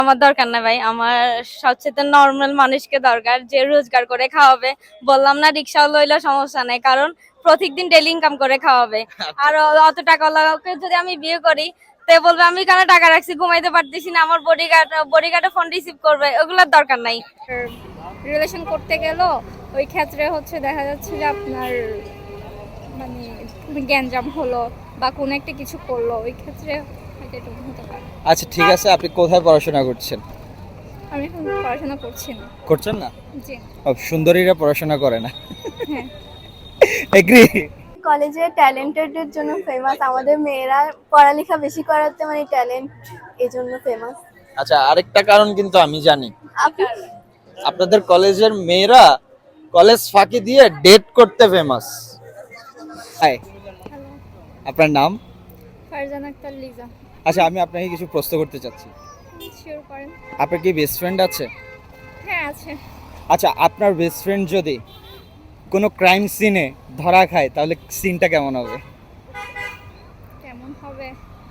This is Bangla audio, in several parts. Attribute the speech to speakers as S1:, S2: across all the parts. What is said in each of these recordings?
S1: আমার দরকার না ভাই, আমার সবচেয়ে নর্মাল মানুষকে দরকার যে রোজগার করে খাওয়াবে। বললাম না, রিক্সাও লইলে সমস্যা নেই, কারণ প্রত্যেকদিন ডেইলি ইনকাম করে খাওয়াবে। আর অত টাকাওয়ালাকে যদি আমি বিয়ে করি, তে বলবে আমি কেন টাকা রাখছি, ঘুমাইতে পারতেছি না, আমার বডিগার্ডে ফোন রিসিভ করবে, ওগুলোর দরকার নাই।
S2: রিলেশন করতে গেলেও ওই ক্ষেত্রে হচ্ছে দেখা যাচ্ছে যে আপনার মানে গ্যাঞ্জাম হলো বা কোনো একটা কিছু করলো, ওই ক্ষেত্রে হয়তো এটা হতে পারে।
S3: আচ্ছা ঠিক আছে, আপনি কোথায় পড়াশোনা করছেন?
S2: আমি এখন পড়াশোনা করছি না।
S3: করছেন না?
S2: জি।
S3: সুন্দরীরা পড়াশোনা করে না।
S2: হ্যাঁ।
S3: এগ্রি।
S4: কলেজে ট্যালেন্টেডের জন্য ফেমাস, আমাদের মেয়েরা পড়ালেখা বেশি করাতে মানে ট্যালেন্ট, এই জন্য ফেমাস।
S3: আচ্ছা, আরেকটা কারণ কিন্তু আমি জানি,
S4: আপনি
S3: আপনাদের কলেজের মেয়েরা কলেজ ফাঁকি দিয়ে ডেট করতে ফেমাস। হাই,
S2: হ্যালো,
S3: আপনার নাম?
S2: ফারজানা আক্তার লিজা।
S3: আচ্ছা, আমি আপনাকে কিছু প্রশ্ন করতে চাচ্ছি।
S2: শিওর করেন।
S3: আপনার কি বেস্ট ফ্রেন্ড আছে?
S2: হ্যাঁ আছে।
S3: আচ্ছা, আপনার বেস্ট ফ্রেন্ড যদি কোনো ক্রাইম সিনে ধরা খায়, তাহলে সিনটা কেমন হবে?
S2: কেমন হবে?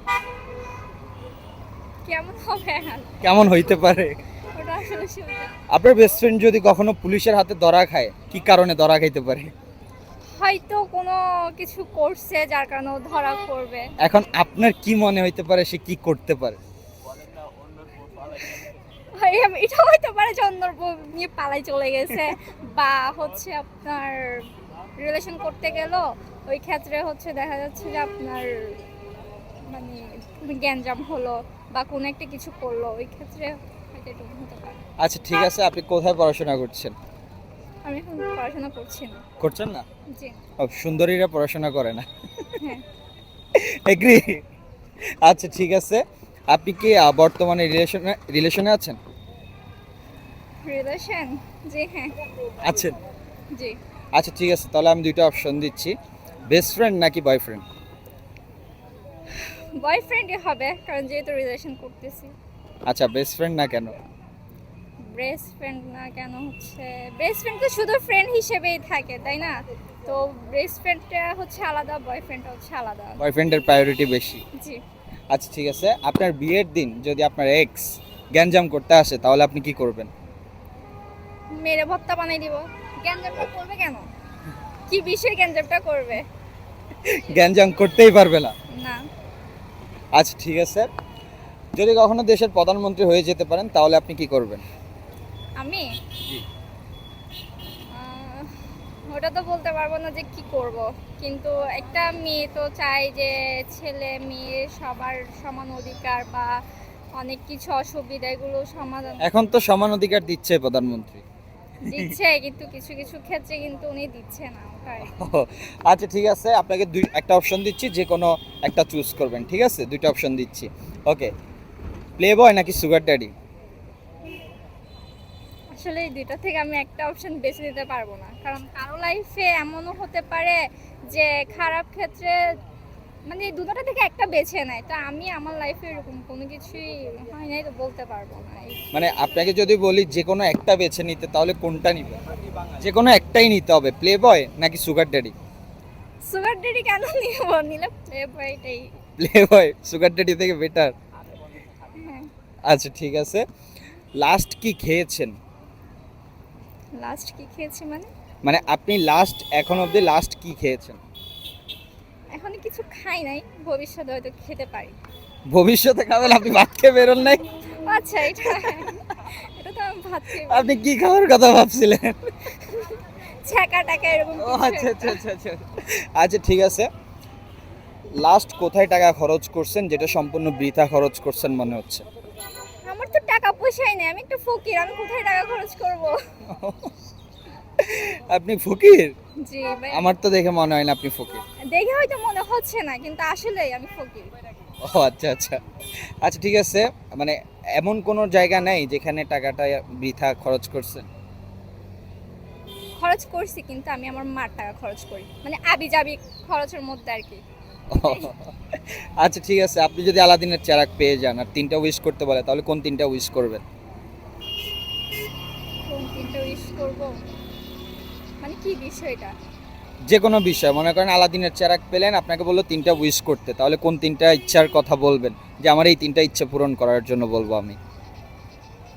S2: কেমন হবে?
S3: কেমন হইতে পারে?
S2: ওটা আসলে শিওর।
S3: আপনার বেস্ট ফ্রেন্ড যদি কখনো পুলিশের হাতে ধরা খায়, কি কারণে ধরা খাইতে পারে?
S2: হয়তো কোনো কিছু করছে যার কারণে ও ধরা পড়বে।
S3: এখন আপনার কি মনে হইতে পারে সে কি করতে পারে?
S2: এটা হইতে পারে যে অন্যর বউ নিয়ে পালাই চলে গেছে বা হচ্ছে আপনার রিলেশন করতে গেলেও ওই ক্ষেত্রে হচ্ছে দেখা যাচ্ছে যে আপনার মানে গ্যাঞ্জাম হলো বা কোনো একটা কিছু করলো, ওই ক্ষেত্রে হয়তো এটা হতে পারে।
S3: আচ্ছা ঠিক আছে, আপনি কোথায় পড়াশোনা করছেন?
S2: আমি এখন পড়াশোনা করছি না।
S3: করছেন না?
S2: জি।
S3: সুন্দরীরা পড়াশোনা করে না।
S2: হ্যাঁ।
S3: এগ্রি। আচ্ছা ঠিক আছে, আপনি কি বর্তমানে রিলেশনে আছেন?
S2: রিলেশন? জি হ্যাঁ।
S3: আছেন?
S2: জি।
S3: আচ্ছা ঠিক আছে, তাহলে আমি দুইটা অপশন দিচ্ছি, বেস্ট ফ্রেন্ড নাকি বয়ফ্রেন্ড?
S2: বয়ফ্রেন্ডই হবে, কারণ যেহেতু রিলেশন করতেছি।
S3: আচ্ছা, বেস্ট ফ্রেন্ড না কেন?
S2: বেস্ট ফ্রেন্ড না কেন হচ্ছে, বেস্ট ফ্রেন্ড তো শুধু ফ্রেন্ড হিসেবেই থাকে তাই না? তো বেস্ট ফ্রেন্ডটা হচ্ছে আলাদা, বয়ফ্রেন্ডটা হচ্ছে আলাদা।
S3: বয়ফ্রেন্ডের প্রায়োরিটি বেশি।
S2: জি।
S3: আচ্ছা ঠিক আছে, আপনার বিয়ের দিন যদি আপনার এক্স গ্যাঞ্জাম করতে আসে, তাহলে আপনি কি করবেন?
S2: মেরে ভর্তা বানাই দিব। গ্যাঞ্জামটা করবে কেন? কি বিষয়ে গ্যাঞ্জামটা করবে?
S3: গ্যাঞ্জাম করতেই পারবে না।
S2: না।
S3: আচ্ছা ঠিক আছে, যদি কখনো দেশের প্রধানমন্ত্রী হয়ে যেতে পারেন, তাহলে আপনি কি করবেন?
S2: আমি ওটা তো বলতে পারবো না যে কি করব, কিন্তু একটা মেয়ে তো চাই যে ছেলে মেয়ে সবার সমান অধিকার বা অনেক কিছু অসুবিধা এগুলো সমাধান
S3: এখন তো সমান অধিকার দিচ্ছে প্রধানমন্ত্রী।
S2: দিচ্ছে, কিন্তু কিছু কিছু ক্ষেত্রে কিন্তু উনি দিচ্ছে না ওটাই।
S3: আচ্ছা ঠিক আছে, আপনাকে একটা অপশন দিচ্ছি, যে কোনো একটা চুজ করবেন, ঠিক আছে? দুইটা অপশন দিচ্ছি, ওকে। প্লে বয় নাকি সুগার ড্যাডি?
S2: আসলে এই দুইটা থেকে আমি একটা অপশন বেছে নিতে পারবো না, কারণ কারো লাইফে এমনও হতে পারে যে খারাপ ক্ষেত্রে মানে এই দুটোটা থেকে একটা বেছে নেয়। তো আমি আমার লাইফে এরকম কোনো কিছুই হয় নাই, তো বলতে পারবো না।
S3: মানে আপনাকে যদি বলি যে কোনো একটা বেছে নিতে, তাহলে কোনটা নিবে? যে কোনো একটাই নিতে হবে, প্লে বয় নাকি সুগার ড্যাডি?
S2: সুগার ডেডি কেন নিব? নিলে প্লে বয়টাই।
S3: প্লে বয় সুগার ড্যাডি থেকে বেটার।
S2: হ্যাঁ।
S3: আচ্ছা ঠিক আছে, লাস্ট কি খেয়েছেন?
S2: লাস্ট কি খেয়েছি মানে?
S3: মানে আপনি লাস্ট, এখন অবধি লাস্ট কি খেয়েছেন?
S2: এখনো কিছু খাই নাই, ভবিষ্যতে হয়তো খেতে পারি।
S3: ভবিষ্যতে খাবেন? আপনি ভাত খেয়ে বেরোন নাই?
S2: আচ্ছা, এটা তো আমি ভাত খাই।
S3: আপনি কি খাওয়ার কথা ভাবছিলেন?
S2: ছ্যাঁকা টাকা এরকম
S3: ও
S2: কিছু
S3: আচ্ছা
S2: একটা।
S3: আচ্ছা আচ্ছা আচ্ছা। আচ্ছা ঠিক আছে, লাস্ট কোথায় টাকা খরচ করছেন যেটা সম্পূর্ণ বৃথা খরচ করছেন মনে হচ্ছে?
S2: আমার তো টাকা পয়সাই নেই, আমি একটা ফকির, আমি কোথায় টাকা খরচ করব?
S3: আপনি ফকির?
S2: জি ভাই।
S3: আমার তো দেখে মনে হয় না আপনি ফকির।
S2: দেখে হয়তো মনে হচ্ছে না, কিন্তু আসলেই আমি ফকির।
S3: ও আচ্ছা আচ্ছা। আচ্ছা ঠিক আছে, মানে এমন কোনো জায়গা নেই যেখানে টাকাটা বৃথা খরচ করছেন?
S2: খরচ করছি, কিন্তু আমি আমার মার টাকা খরচ করি, মানে আবিজাবি খরচের মধ্যে আর কি।
S3: আচ্ছা ঠিক আছে, আপনি যদি আলাদিনের চেরাগ পেয়ে যান আর তিনটা উইশ করতে বলে, তাহলে কোন তিনটা উইশ করবেন?
S2: কোন তিনটা উইশ করব? মানে কি বিষয়টা?
S3: যে কোনো বিষয়, মনে করেন আলাদিনের চেরাগ পেলেন, আপনাকে বললো তিনটা উইশ করতে, তাহলে কোন তিনটা ইচ্ছার কথা বলবেন, যে আমার এই তিনটা ইচ্ছা পূরণ করার জন্য বলবো আমি?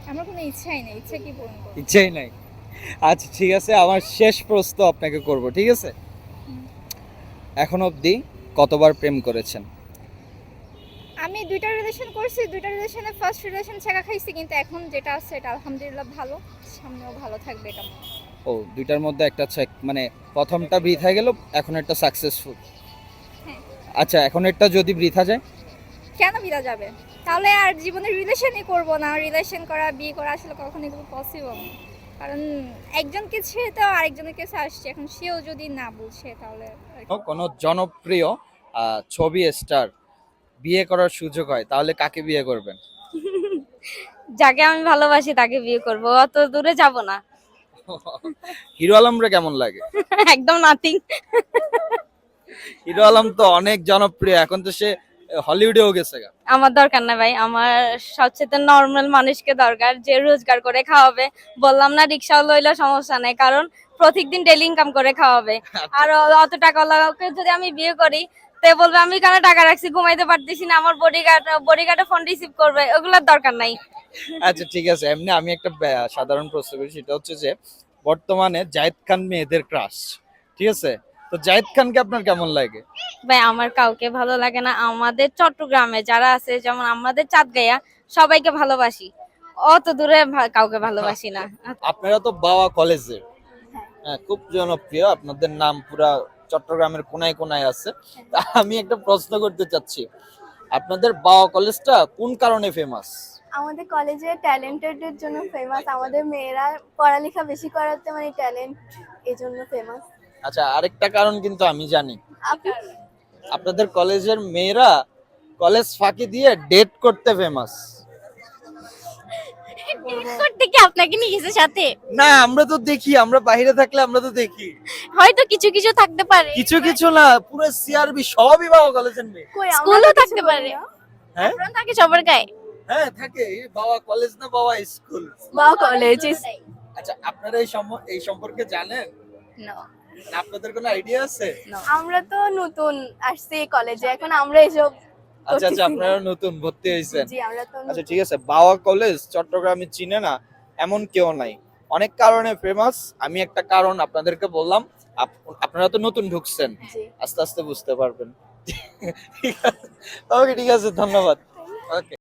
S2: আমার কোনো ইচ্ছাই নেই, ইচ্ছা কি পূরণ করবো?
S3: ইচ্ছেই নাই। আচ্ছা ঠিক আছে, আমার শেষ প্রশ্ন আপনাকে করব, ঠিক আছে? এখন অবধি কতবার প্রেম করেছেন?
S2: আমি দুইটা রিলেশন করছি, দুইটা রিলেশনে ফার্স্ট রিলেশন ছেঁকা খাইছি, কিন্তু এখন যেটা আছে এটা আলহামদুলিল্লাহ ভালো, সামনেও ভালো থাকবে এটা মনে হয়।
S3: ও, দুইটার মধ্যে একটা মানে প্রথমটা বৃথা গেল, এখন একটা সাকসেসফুল।
S2: হ্যাঁ।
S3: আচ্ছা, এখন একটা যদি বৃথা যায়?
S2: কেন বিদা যাবে? তাহলে আর জীবনে রিলেশনই করব না। রিলেশন করা, বিয়ে করা আসলে কখনোই কোনো পসিবল না। কারণ একজনকে ছেড়ে তো আরেকজনের কাছে আসছে, এখন সেও যদি না বুঝে তাহলে আর কি।
S3: কোনো জনপ্রিয় ছবি স্টার বিয়ে করার সুযোগ হয়, তাহলে কাকে বিয়ে করবেন?
S1: যাকে আমি ভালোবাসি তাকে বিয়ে করব, অত দূরে যাব না।
S3: হিরো আলমরে কেমন লাগে?
S1: একদম নাথিং।
S3: হিরো আলম তো অনেক জনপ্রিয়, এখন তো সে হলিউডেও গেছে গা।
S1: আমার দরকার না ভাই, আমার সবচেয়ে নর্মাল মানুষকে দরকার, যে রোজগার করে খাওয়াবে। বললাম না, রিক্সাও লইলে সমস্যা নাই, কারণ প্রত্যেকদিন ডেলি ইনকাম করে খাওয়াবে। আর অত টাকাওয়ালাকে যদি আমি বিয়ে করি, তে বলবে আমি কেন টাকা রাখছি, ঘুমাইতে পারতেছি না, আমার বডিগার্ডে ফোন রিসিভ করবে, ওগুলোর দরকার নাই।
S3: আচ্ছা ঠিক আছে, এমনি আমি একটা সাধারণ প্রশ্ন করি, সেটা হচ্ছে যে বর্তমানে জায়েদ খান মেয়েদের ক্রাশ, ঠিক আছে? তো জায়েদ খানকে আপনার কেমন লাগে?
S1: ভাই আমার কাউকে ভালো লাগে না, আমাদের চট্টগ্রামে যারা আছে, যেমন আমাদের চাঁদগাঁয়া, সবাইকে ভালোবাসি, অত দূরে কাউকে ভালোবাসি না।
S3: আপনারা তো বাওয়া কলেজের, হ্যাঁ, খুব জনপ্রিয়, আপনাদের নাম পুরা চট্টগ্রামের কোনায় কোনায় আছে। তা আমি একটা প্রশ্ন করতে চাচ্ছি, আপনাদের বাওয়া কলেজটা কোন কারণে ফেমাস?
S4: আমাদের কলেজে ট্যালেন্টেডের জন্য ফেমাস। আমাদের মেয়েরা পড়ালেখা বেশি করাতে মানে ট্যালেন্ট, এই জন্য ফেমাস।
S3: আচ্ছা, আরেকটা কারণ কিন্তু আমি জানি,
S4: আপনি
S3: আপনাদের কলেজের মেয়েরা কলেজ ফাঁকি দিয়ে ডেট করতে ফেমাস।
S1: করতে কি আপনাকে নিয়ে গেছে সাথে?
S3: না, আমরা তো দেখি, আমরা বাইরে থাকলে আমরা তো দেখি।
S1: হয়তো কিছু কিছু থাকতে পারে,
S3: কিছু কিছু না, পুরো সিআরবি সবই বাবা কলেজের মেয়ে।
S4: কই আমরা
S1: স্কুলও
S4: তো কিছু
S1: থাকতে
S4: বলি
S1: পারে।
S4: না।
S3: হ্যাঁ
S1: আপনারা থাকে সবার গায়ে।
S3: হ্যাঁ থাকে, বাবা কলেজ না বাবা স্কুল।
S4: বা কলেজ
S3: আচ্ছা, আপনারা এই সম্পর্কে জানেন?
S1: No.
S3: আপনাদের কোনো আইডিয়া আছে?
S4: আমরা তো নতুন আসছি কলেজে, এখন আমরা এসব
S3: আচ্ছা আচ্ছা,
S4: করতেছি না।
S3: আপনারা নতুন ভর্তি হয়েছেন?
S4: জি আমরা তো
S3: আচ্ছা ঠিক আছে, বাওয়া কলেজ চট্টগ্রামে চিনে না এমন কেউ নাই, অনেক কারণে ফেমাস। আমি একটা কারণ আপনাদেরকে বললাম, আপনারা তো নতুন ঢুকছেন,
S4: জি
S3: আস্তে আস্তে বুঝতে পারবেন। ঠিক আছে, ওকে ঠিক আছে, ধন্যবাদ। ওকে।